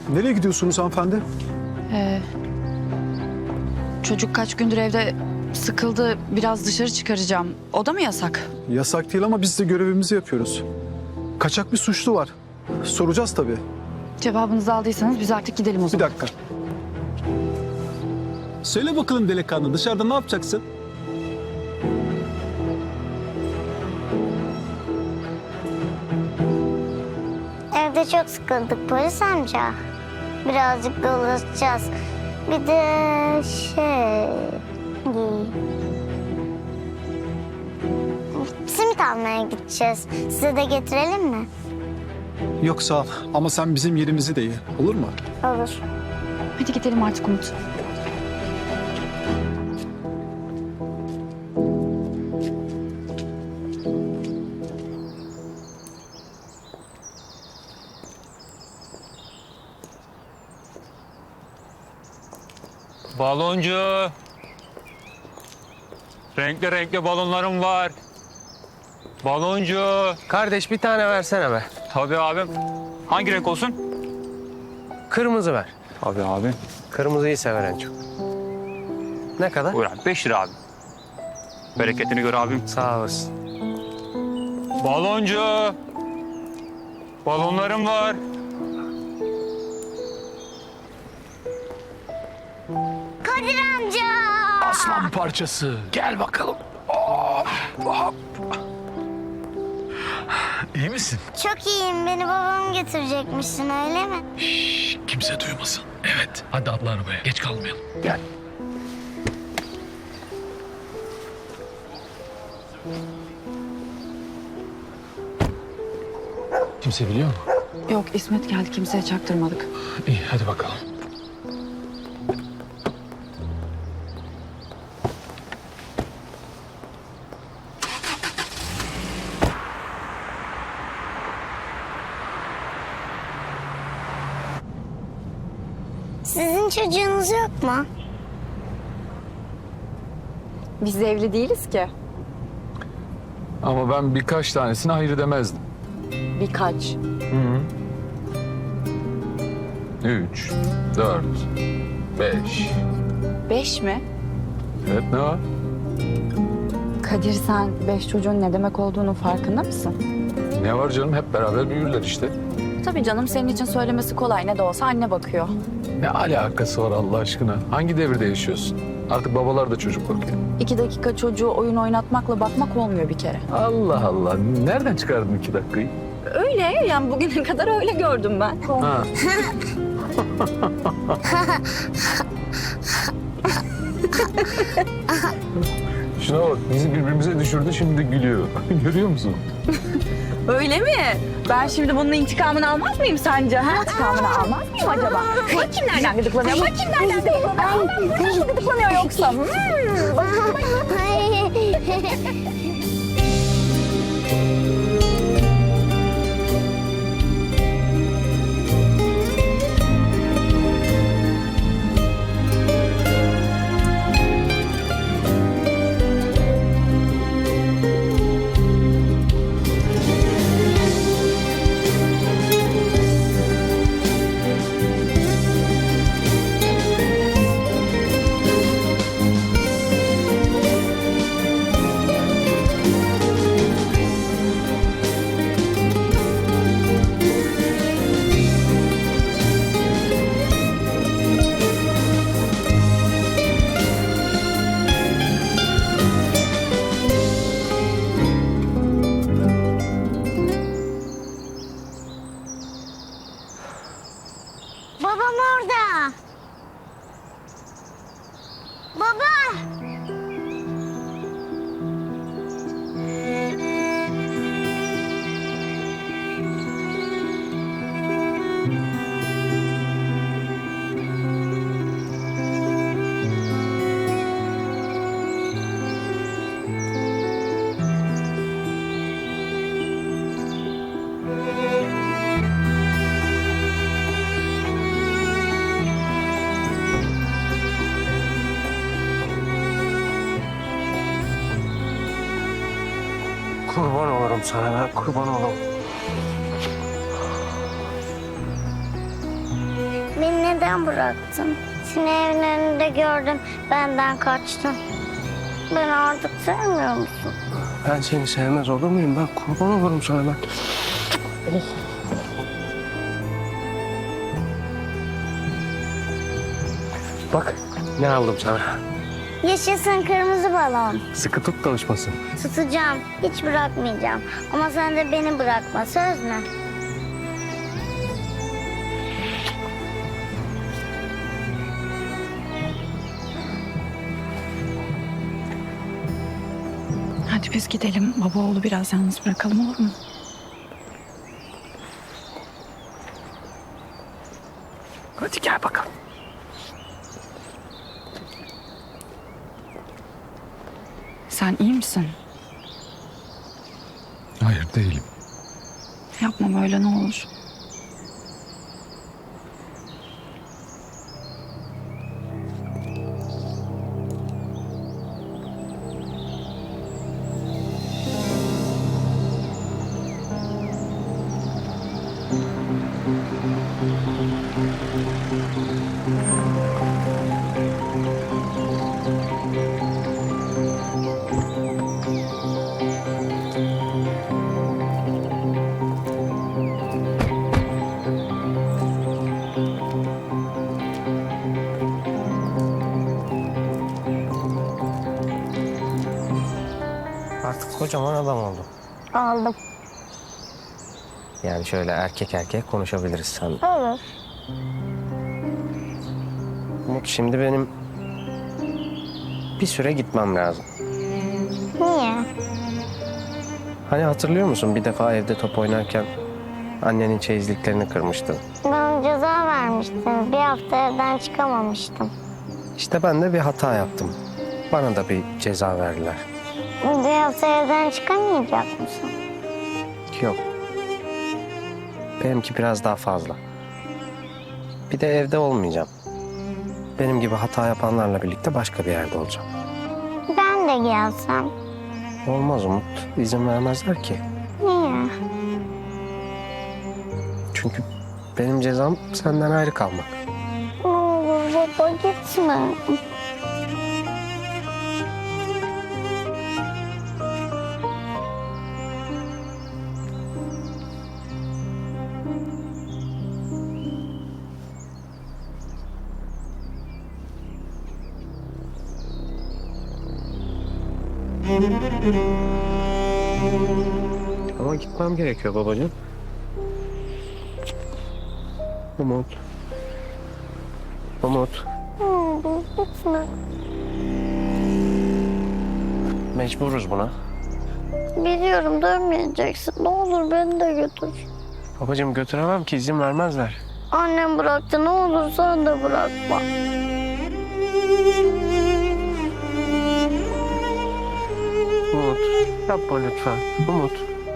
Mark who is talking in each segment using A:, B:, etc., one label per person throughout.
A: Nereye gidiyorsunuz hanımefendi?
B: Çocuk kaç gündür evde sıkıldı. Biraz dışarı çıkaracağım. O da mı yasak?
A: Yasak değil ama biz de görevimizi yapıyoruz. Kaçak bir suçlu var. Soracağız tabii.
B: Cevabınızı aldıysanız biz artık gidelim o
A: Bir
B: zaman.
A: dakika.
C: Söyle bakalım delikanlı, dışarıda ne yapacaksın?
D: Evde çok sıkıldık polis amca. Birazcık dolaşacağız. Bir de simit almaya gideceğiz. Size de getirelim mi?
A: Yok sağ ol. Ama sen bizim yerimizi de ye. Olur mu?
D: Olur.
B: Hadi gidelim artık Umut.
E: Baloncu. Renkli renkli balonlarım var. Baloncu.
F: Kardeş bir tane versene be.
E: Tabii abim. Hangi renk olsun?
F: Kırmızı ver.
E: Tabii abi.
F: Kırmızıyı sever en çok. Ne kadar?
E: Buyur abi. 5 lira abi. Bereketini gör abim.
F: Sağ olasın.
E: Baloncu. Balonlarım var.
D: Kadir amca!
G: Aslan parçası. Gel bakalım. İyi misin?
D: Çok iyiyim. Beni babam getirecekmişsin öyle mi?
G: Şşş, kimse duymasın. Evet. Hadi atla arabaya. Geç kalmayalım. Gel. Kimse biliyor mu?
B: Yok İsmet geldi, kimseye çaktırmadık.
G: İyi hadi bakalım.
D: Sizin çocuğunuz yok mu?
B: Biz evli değiliz ki.
H: Ama ben birkaç tanesine hayır demezdim.
B: Birkaç.
H: 3, 4, 5.
B: 5 mi?
H: Evet ne var?
B: Kadir, sen 5 çocuğun ne demek olduğunu farkında mısın?
H: Ne var canım, hep beraber büyürler işte.
B: Tabii canım, senin için söylemesi kolay. Ne de olsa anne bakıyor.
H: Ne alakası var Allah aşkına? Hangi devirde yaşıyorsun? Artık babalar da çocuk bakıyor.
B: 2 dakika çocuğu oyun oynatmakla bakmak olmuyor bir kere.
H: Allah Allah. Nereden çıkardın 2 dakikayı?
B: Öyle yani, bugüne kadar öyle gördüm ben.
H: Ha. Şuna bak, bizi birbirimize düşürdü, şimdi gülüyor. Görüyor musun?
B: Öyle mi? Ben şimdi bunun intikamını almaz mıyım sence? Ha? İntikamını almaz mıyım acaba? Bakayım nereden gıdıklanıyor? Bakayım nereden gıdıklanıyor? Nasıl gıdıklanıyor yoksa?
D: Babam orada. Baba!
F: Kurban olurum sana ben, kurban olurum.
D: Beni neden bıraktın? Seni evin önünde gördüm, benden kaçtın. Beni artık sevmiyor musun?
F: Ben seni sevmez olur muyum? Ben kurban olurum sana ben. Bak ne aldım sana.
D: Yaşasın kırmızı balon.
F: Sıkı tut çalışmasın.
D: Tutacağım, hiç bırakmayacağım. Ama sen de beni bırakma, söz mü?
B: Hadi biz gidelim. Baba oğlu biraz yalnız bırakalım, olur mu?
F: Hadi gel bakalım.
B: Sen iyi misin?
H: Hayır değilim.
B: Yapma böyle, ne olur.
F: Artık kocaman adam oldum.
D: Aldım.
F: Yani şöyle erkek erkek konuşabiliriz sen.
D: Olur.
F: Umut şimdi benim bir süre gitmem lazım.
D: Niye?
F: Hani hatırlıyor musun bir defa evde top oynarken annenin çeyizliklerini kırmıştın.
D: Bana ceza vermiştin. Bir hafta evden çıkamamıştım.
F: İşte ben de bir hata yaptım. Bana da bir ceza verdiler.
D: Bir hafta evden çıkamayacak mısın?
F: Yok. Benimki biraz daha fazla. Bir de evde olmayacağım. Benim gibi hata yapanlarla birlikte başka bir yerde olacağım.
D: Ben de gelsem.
F: Olmaz Umut. İzin vermezler ki.
D: Niye?
F: Çünkü benim cezam senden ayrı kalmak.
D: Ne olur baba gitme.
F: Ama gitmem gerekiyor babacığım. Umut. Umut.
D: Ne olur gitme.
F: Mecburuz buna.
D: Biliyorum dönmeyeceksin. Ne olur beni de götür.
F: Babacığım götüremem ki izin vermezler.
D: Annem bıraktı. Ne olur sen de bırakma.
F: Umut yapma lütfen. Umut.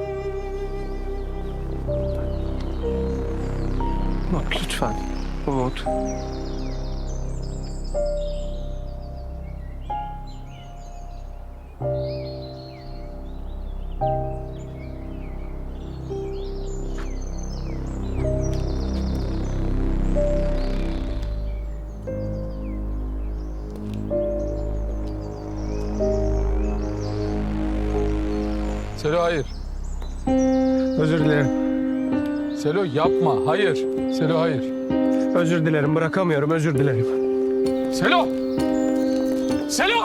F: Umut lütfen. Umut.
H: Selo hayır. Özür dilerim. Selo yapma. Hayır. Selo hayır.
F: Özür dilerim bırakamıyorum özür dilerim.
H: Selo! Selo!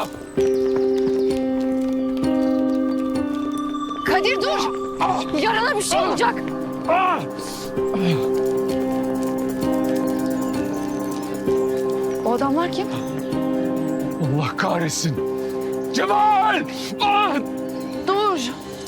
B: Kadir dur! Yarana bir şey olacak. O adamlar kim?
H: Allah kahretsin. Cemal! Ah!
B: Dur!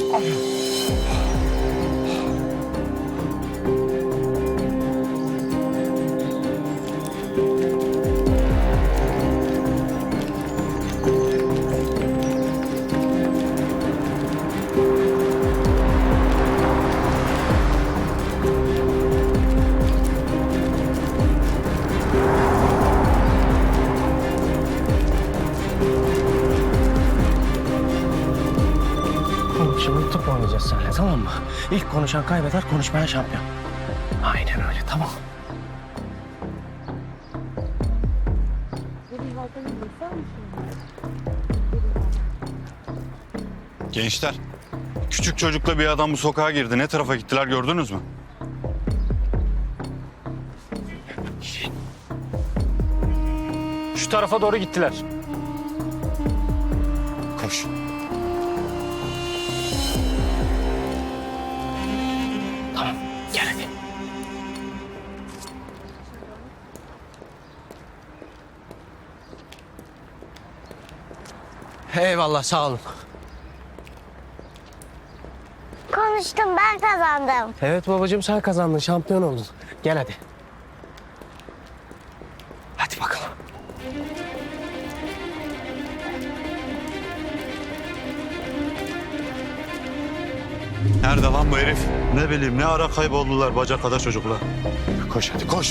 F: Umut şimdi tıp oynayacağız seninle tamam mı? İlk konuşan kaybeder konuşmayan şampiyon. Aynen öyle tamam.
I: Gençler, küçük çocukla bir adam bu sokağa girdi. Ne tarafa gittiler gördünüz mü?
E: Şu tarafa doğru gittiler.
I: Koş.
G: Tamam gel hadi.
F: Eyvallah sağ olun.
D: Konuştum, ben kazandım.
F: Evet babacığım sen kazandın, şampiyon oldun. Gel hadi. Hadi bakalım.
I: Nerede lan bu herif? Ne bileyim ne ara kayboldular bacak kadar çocuklar. Koş hadi koş.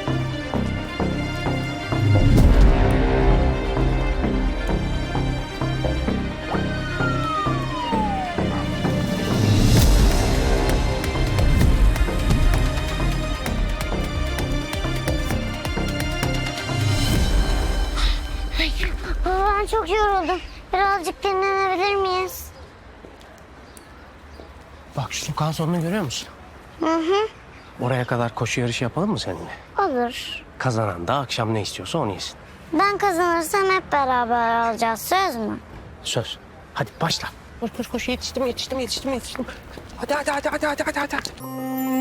D: Baba ben çok yoruldum. Birazcık dinlenebilir miyiz?
F: Bak şu sokağın sonunu görüyor musun? Oraya kadar koşu yarışı yapalım mı seninle?
D: Olur.
F: Kazanan da akşam ne istiyorsa onu yesin.
D: Ben kazanırsam hep beraber alacağız, söz mü?
F: Söz. Hadi başla. Koş koş koş, yetiştim. Hadi.